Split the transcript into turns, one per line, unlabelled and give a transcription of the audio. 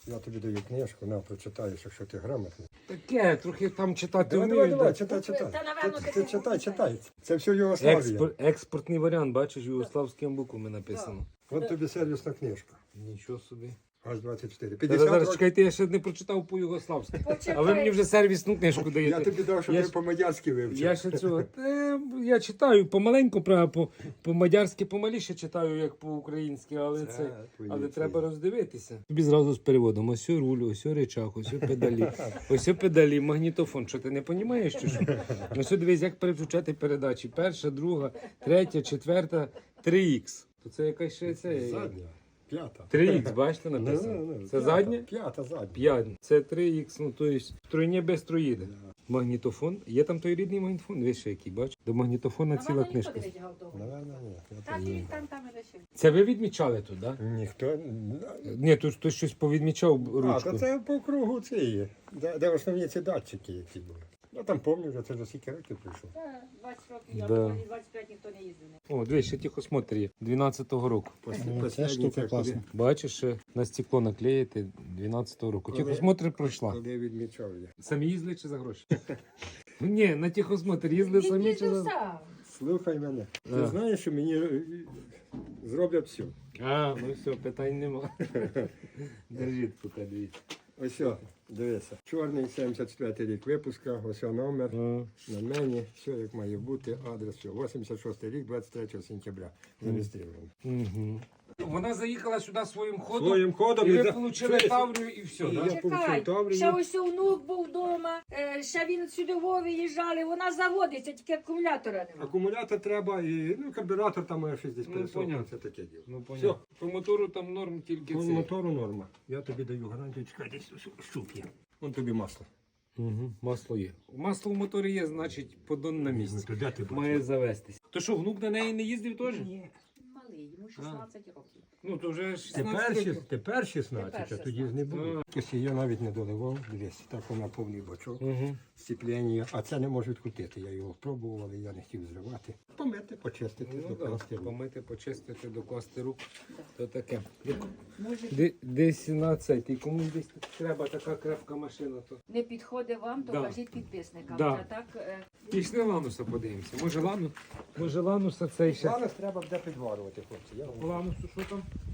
Я тобі даю книжку, на, прочитаєш, якщо ти грамотний.
Таке, трохи там читати
Давай,
вмієш.
давай,
да?
читай, читай.
Та, напевно,
Ти
ти
читай, читай. Це все Югославія.
Експортний варіант, бачиш, югославськими буквами написано.
От тобі сервісна книжка.
Нічого собі.
ГАЗ-24.
Зараз,
50
зараз
років.
чекайте, я ще не прочитав по-югославськи.
Почекай.
А ви мені вже сервісну книжку даєте.
Я тобі дав, щоб
Я
ти
ж-
по-мадярськи вивчив.
Я ще цього. Я читаю помаленьку, правда, по-мадярськи помаліше читаю, як по-українськи, але
твої
але
ці.
треба роздивитися. Тобі зразу з переводом. Ось руль, ось речах, ось педалі. Ось педалі, магнітофон. Що ти не розумієш, чи що? Ось дивись, як переключати передачі. Перша, друга, третя, четверта, 3х. То це якась ще це.
Задня. П'ята.
3х, бачите, написано. Це
П'ята,
задня?
П'ята, задня.
5. Це 3х, ну то есть тройня без троїди. Магнітофон. Є там той рідний магнітофон, ви ще який, бач? До магнітофона ціла книжка.
Наверно, ні. Я
Та
так-
він там і лишив.
Це ви відмічали тут, так? Да?
Ніхто...
Ні, тут хтось щось повідмічав
А,
ручку.
то це по кругу цієї, де основні ці датчики, які були. Я там пам'ятаю, вже це вже скільки років прийшов.
Та 20 років, я
Да.
думаю, 25 ніхто не їздив.
О, дивись, ще тихосмотр є. 12-го року.
Ця штука класна.
Бачиш, ще на стекло наклеїти 12-го року. Тихосмотр пройшла.
Коли відмічав я.
Самі їздили чи за гроші? Ні, на тихосмотр їздили
Він
самі чи
їздив
за...
сам.
Слухай мене. Ти
А.
знаєш, що мені зроблять все.
А, ну все, питань нема. Держіть, поки дивіться.
Ось, о, дивися. Чорний 74 рік випуска, ось о номер. На мені, все як має бути, адрес, все. 86 рік, 23 сентября. Зареєстровано.
Угу. Вона заїхала сюди своїм ходом,
Своїм ходом
і ви
за-
отримали
Чуєш?
Таврію і все,
І
да?
я
Чекай,
получив Таврію.
ще ось внук був вдома, ще він сюди виїжджали, вона заводиться, тільки акумулятора немає.
Акумулятор треба і карбюратор там має щось десь
Ну,
пересохнути,
понятно.
це таке діло.
Ну, понятно. По мотору там норм тільки
По
це.
мотору норма. Я тобі даю гарантію, чекай, десь щуп є. Вон тобі масло.
Угу. Масло є. Масло в моторі є, значить, подон на місці.
Ну, то де ти бачиш?
Має завестись. То що, внук на неї не їздив теж?
Ні. Малий, йому 16 років.
Ну, то вже 16
Тепер,
років.
тепер 16, а
Тепер
тоді ж не було. Ось я навіть не доливав, дивись, так вона повний бачок,
Угу.
сцеплення, а це не можу відкрутити. Я його пробував, але я не хотів зривати. Помити, почистити,
Ну,
докласти.
да. Помити, почистити, докласти рук. То таке.
Може,
Десь на цей. Ти кому десь треба така крепка машина, то.
не підходить вам, то
Да.
кажіть підписникам.
Да.
А так,
Пішли Лануса подивимося. Може Лануса цей ще.
Зараз треба буде підварювати, хлопці. Я вам
Ланусу що там?